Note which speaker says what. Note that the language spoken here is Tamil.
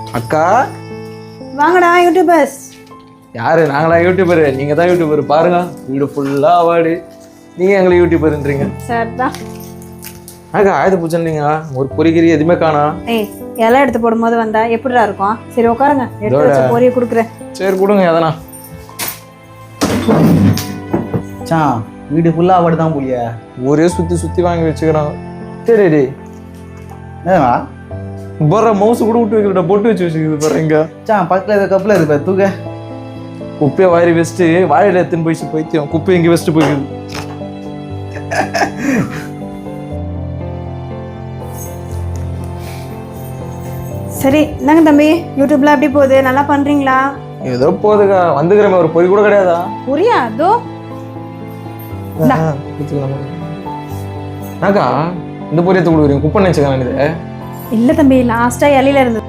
Speaker 1: அக்கா
Speaker 2: வாங்கடா யூடியூபர்ஸ்.
Speaker 1: யாரு? நாங்களா யூடியூபரு? நீங்க தான் யூடியூபர். பாருங்க வீடு ஃபுல்லா அவார்டு. நீங்க எங்களை யூடியூபர்ன்றீங்க.
Speaker 2: சார் தான்.
Speaker 1: அக்கா ஆயுத பூஜைன்னீங்க, ஒரு பொறிகிரி எதுவுமே காணா.
Speaker 2: ஏய், இலை எடுத்து போடும்போது வந்தா எப்படிடா இருக்கும்? சரி உட்காருங்க, எடுத்து வச்ச பொரிய கொடுக்குறேன்.
Speaker 1: சரி கொடுங்க எதனா.
Speaker 3: சான் வீடு ஃபுல்லா அவார்டு தான் போலியா?
Speaker 1: ஒரே சுத்தி சுத்தி வாங்கி வச்சுக்கிறாங்க. சரி டேய்
Speaker 3: ஏவா
Speaker 1: போற மவுசு கூட விட்டு வைக்கிறா, பொட்டு வச்சு வச்சுக்குது பாருங்க.
Speaker 3: சான் பக்கத்துல இருக்க கப்பில் இருக்கு தூக்க.
Speaker 1: குப்பையை வாரி வச்சுட்டு வாழையில எத்துன்னு போயிடுச்சு பைத்தியம். குப்பை இங்கே வச்சுட்டு போயிடுது.
Speaker 2: சரி என்னங்க தம்பி, யூடியூப்ல எப்படி போகுது? நல்லா பண்றீங்களா?
Speaker 1: ஏதோ போகுதுக்கா. வந்துக்கிறமே ஒரு பொறி கூட கிடையாதா?
Speaker 2: புரியா? அதோ
Speaker 1: அக்கா இந்த பொரியத்தை கொடுக்குறீங்க, குப்பை நினைச்சுக்கலாம். இது
Speaker 2: இல்ல தம்பி, லாஸ்டா இலையில இருந்து